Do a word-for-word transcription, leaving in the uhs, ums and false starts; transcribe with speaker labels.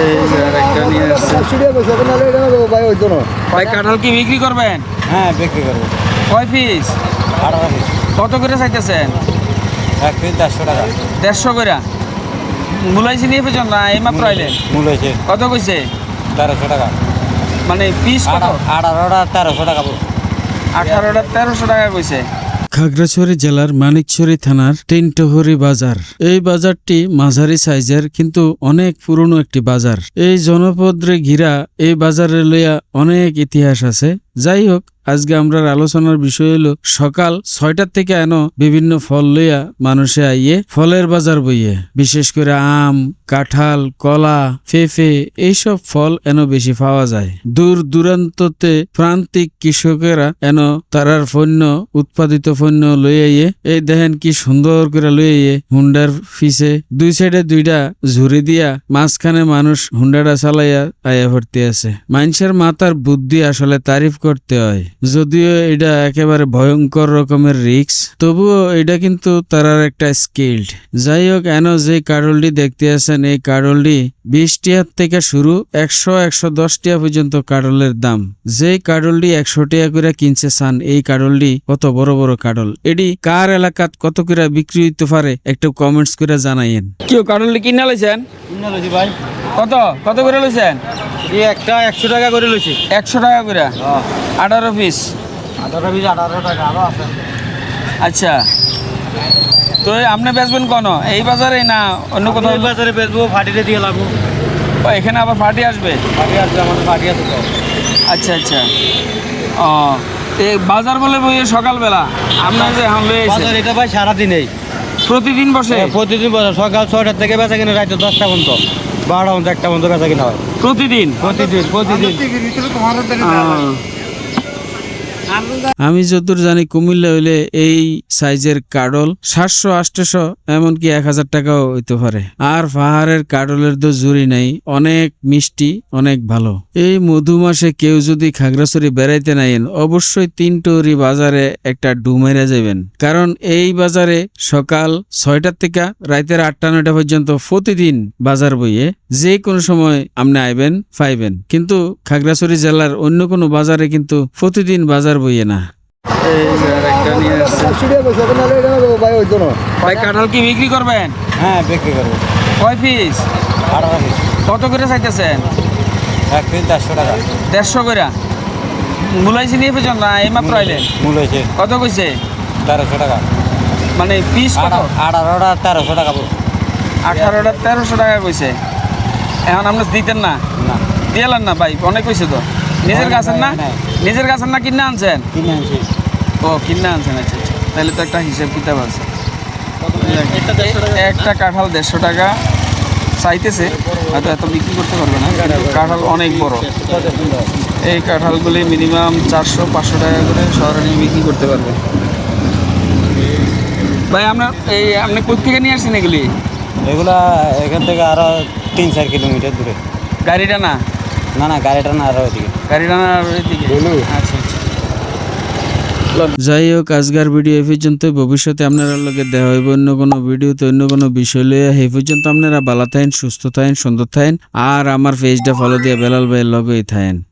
Speaker 1: এই যে আরেকটা নিয়ে আসছে। ভাই কাঁঠাল কি বিক্রি করবেন?
Speaker 2: হ্যাঁ বিক্রি করবো।
Speaker 1: কয় পিস?
Speaker 2: আঠারো পিস।
Speaker 1: কত করে চাইতেছেন?
Speaker 2: এক পিস দেড়শো টাকা।
Speaker 1: দেড়শো করে। মূলাইছি নিয়ে পেছন না এই মাত্র আইলেন?
Speaker 2: মূল হয়েছে
Speaker 1: কত কইছে?
Speaker 2: তেরোশো টাকা।
Speaker 1: মানে পিস কত?
Speaker 2: আঠারোটা তেরোশো টাকা।
Speaker 1: আঠারোটা তেরোশো টাকা কইছে।
Speaker 3: খাগড়াছড়ি জেলার মানিকছড়ি থানার টিনটহরি বাজার। এই বাজারটি মাঝারি সাইজের কিন্তু অনেক পুরনো একটি বাজার। এই জনপদরে ঘিরা এই বাজারে লইয়া অনেক ইতিহাস আছে। যাই হোক, আজকে আমরা আলোচনার বিষয় হলো সকাল ছয়টার থেকে এন বিভিন্ন ফল লইয়া মানুষে আইয়ে ফলের বাজার বইয়ে, বিশেষ করে আম, কাঁঠাল, কলা, পেঁপে এইসব ফল এন বেশি পাওয়া যায়। দূর দূরান্ততে প্রান্তিক কৃষকেরা এন তারার পণ্য উৎপাদিত পণ্য লইয়াইয়ে এই দেখেন কি সুন্দর করে লইয়াইয়ে হুন্ডার ফিসে দুই সাইডে দুইটা ঝুড়ি দিয়া মাঝখানে মানুষ হুন্ডাটা চালাইয়া আয়া ভর্তি আছে। মানুষের মাথার বুদ্ধি আসলে তারিফ করতে হয়। যদিও এটা একেবারে ভয়ঙ্কর রকমের রিস্ক, তবুও এটা কিন্তু তারার একটা স্কিল্ড। যাই হোক, এন যে কাডলটি দেখতে আছেন এই কাডলটি বিশ টিয়ার থেকে শুরু একশো একশো দশ টিয়া পর্যন্ত কাডলের দাম। যে কাডলটি একশো টিয়া করে কিনছে চান এই কাডলটি কত বড় বড় কাডল, এটি কার এলাকাত কত করে বিক্রি হইতে পারে একটু কমেন্টস করে জানাইয়েন।
Speaker 1: কেউ কাডলটি কিনা লইছেন?
Speaker 2: কিনে লইছি ভাই।
Speaker 1: কত কত করে লইছেন?
Speaker 2: এই একটা একশো টাকা করে লইছি।
Speaker 1: একশো টাকা করে আঠারো পিস।
Speaker 2: আঠারো পিস আঠারো টাকা আরো আছে।
Speaker 1: আচ্ছা, তো আপনি বেচবেন কোন এই বাজারে না অন্য কোথাও?
Speaker 2: এই বাজারে বেচবো, ফাটিতে দিয়ে লাগবো।
Speaker 1: ও, এখানে আবার পার্টি আসবে?
Speaker 2: ফাটি আসবে, আমাদের ফাটি আছে তো।
Speaker 1: আচ্ছা আচ্ছা। ও, এই বাজার বলে বইয়ে সকালবেলা আপনার যে এখন লয়ে এসেছেন?
Speaker 2: বাজার এটা ভাই সারাদিনেই
Speaker 1: প্রতিদিন বসে?
Speaker 2: প্রতিদিন বাজার সকাল ছয়টার থেকে বেচা কিনা রাত দশটা পর্যন্ত, বারোটা পর্যন্ত, একটা পর্যন্ত বেচা কিনা হয়।
Speaker 1: প্রতিদিন
Speaker 2: প্রতিদিন প্রতিদিন
Speaker 3: আমি যতদূর জানি কুমিল্লা হইলে এই সাইজের কাডল সাতশো আটশো এমনকি এক হাজার টাকাও হইতে পারে। আর পাহাড়ের কাডলের তো জুড়ি নাই, অনেক মিষ্টি, অনেক ভালো। এই মধু মাসে কেউ যদি খাগড়াছড়ি বেড়াইতে নাইন অবশ্যই তিনটরি বাজারে একটা ডুমেরা যাবেন, কারণ এই বাজারে সকাল ছয়টার থেকে রাতের আটটা নয়টা পর্যন্ত প্রতিদিন বাজার বইয়ে যে কোনো সময় আপনি আইবেন পাইবেন। কিন্তু খাগড়াছড়ি জেলার অন্য কোনো বাজারে কিন্তু প্রতিদিন বাজার বইয়ে না।
Speaker 1: এই যে আরেকটা নিয়ে আসছে। ভাই কাঁঠাল কি বিক্রি করবেন?
Speaker 2: হ্যাঁ বিক্রি করবো।
Speaker 1: কয় পিস?
Speaker 2: আঠারো পিস।
Speaker 1: কত করে চাইতেছেন?
Speaker 2: এক পিস দেড়শো টাকা।
Speaker 1: দেড়শো করে। মূলাইছি নিয়ে পেছন না এই মাত্র আইলেন?
Speaker 2: মূল হয়েছে
Speaker 1: কত কইছে?
Speaker 2: তেরোশো টাকা।
Speaker 1: মানে পিস কত?
Speaker 2: আঠারোটা তেরোশো টাকা।
Speaker 1: আঠারোটা তেরোশো টাকা কইছে। এখন আপনি দিতেন না?
Speaker 2: না
Speaker 1: দিয়েলেন না ভাই, অনেক কইছে তো। নিজের গাছের না? নিজের গাছের না কিনে আনছেন?
Speaker 2: কিনে আনছি।
Speaker 1: ও কিনে আনছেন, আচ্ছা আচ্ছা। তাহলে তো একটা হিসেব কিতাব আছে। একটা কাঁঠাল দেড়শো টাকা চাইতেছে, হয়তো এত বিক্রি করতে পারবে না, কাঁঠাল অনেক বড়। এই কাঁঠালগুলি মিনিমাম চারশো পাঁচশো টাকা করে শহরে নিয়ে বিক্রি করতে পারবে। ভাই আপনার এই আপনি কোথা থেকে নিয়ে আসছেন এগুলি?
Speaker 2: এগুলা এখান থেকে আরো তিন চার কিলোমিটার দূরে।
Speaker 1: গাড়িটা না?
Speaker 2: না না গাড়িটা না, আরো ওইদিকে।
Speaker 1: গাড়িটা না আর ওইদিকে? আচ্ছা আচ্ছা।
Speaker 3: যাই হোক, আজকের ভিডিও এই পর্যন্ত। ভবিষ্যতে আপনারা লগে দেখা হইব অন্য কোনো ভিডিওতে অন্য কোনো বিষয় লইয়া। এই পর্যন্ত আপনারা ভালো থাকেন, সুস্থ থাকেন, সুন্দর থাকেন, আর আমার পেজটা ফলো দিয়ে বেলাল ভাইয়ের লগেই থাকেন।